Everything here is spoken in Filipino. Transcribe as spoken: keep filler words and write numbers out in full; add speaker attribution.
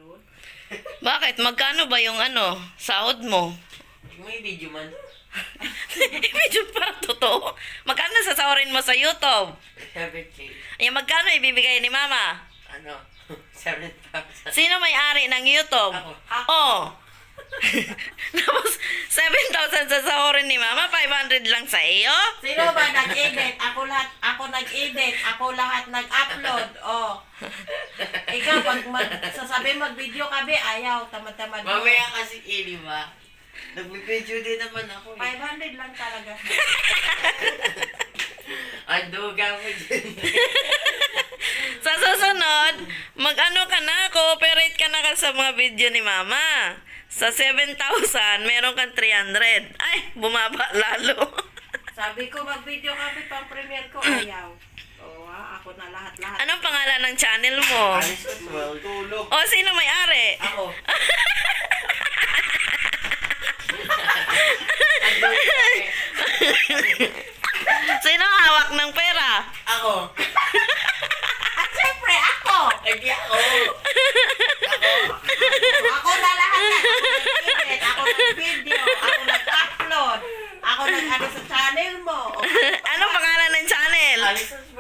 Speaker 1: upload.
Speaker 2: Bakit? Magkano ba yung ano, sahod mo?
Speaker 3: May video man.
Speaker 2: Medyo parang totoo. Magkano sasahurin mo sa YouTube?
Speaker 3: seven K.
Speaker 2: Ay, magkano ibibigay ni Mama?
Speaker 3: Ano? seven thousand.
Speaker 2: Sino may-ari ng YouTube?
Speaker 3: Ako.
Speaker 2: Oh. Tapos, seven thousand sasahurin ni Mama, five hundred lang sa iyo?
Speaker 1: Sino ba nag-edit? Ako lahat, ako nag-edit. Ako lahat nag-upload. Oh. Ikaw, pag mag, sasabihin mag-video ka, be, ayaw. Tamad-tamad mo.
Speaker 3: Mamaya kasi ili ba? Nag-video din naman ako. eh.
Speaker 1: five hundred lang talaga.
Speaker 3: Ang duga mo dyan.
Speaker 2: Sa susunod, mag-ano ka na, cooperate ka na ka sa mga video ni Mama. Sa seven thousand, meron kang three hundred. Ay, bumaba lalo.
Speaker 1: Sabi ko, mag-video ka, be, pang-premiere ko. Ayaw. Oo, ah, ako na lahat-lahat.
Speaker 2: Anong pangalan ng channel mo?
Speaker 3: Alice as well. Tulog.
Speaker 2: O, sino may-ari?
Speaker 3: Ako. Ang duga eh.
Speaker 2: Sino ang hawak ng pera?
Speaker 3: Ako.
Speaker 1: At syempre, ako!
Speaker 3: Hindi ako.
Speaker 1: Ako na lahat na. Ako nag-edit, ako nag-video, ako nag-upload, ako nag-ano sa channel mo.
Speaker 2: Anong pangalan ng channel?
Speaker 3: Alice as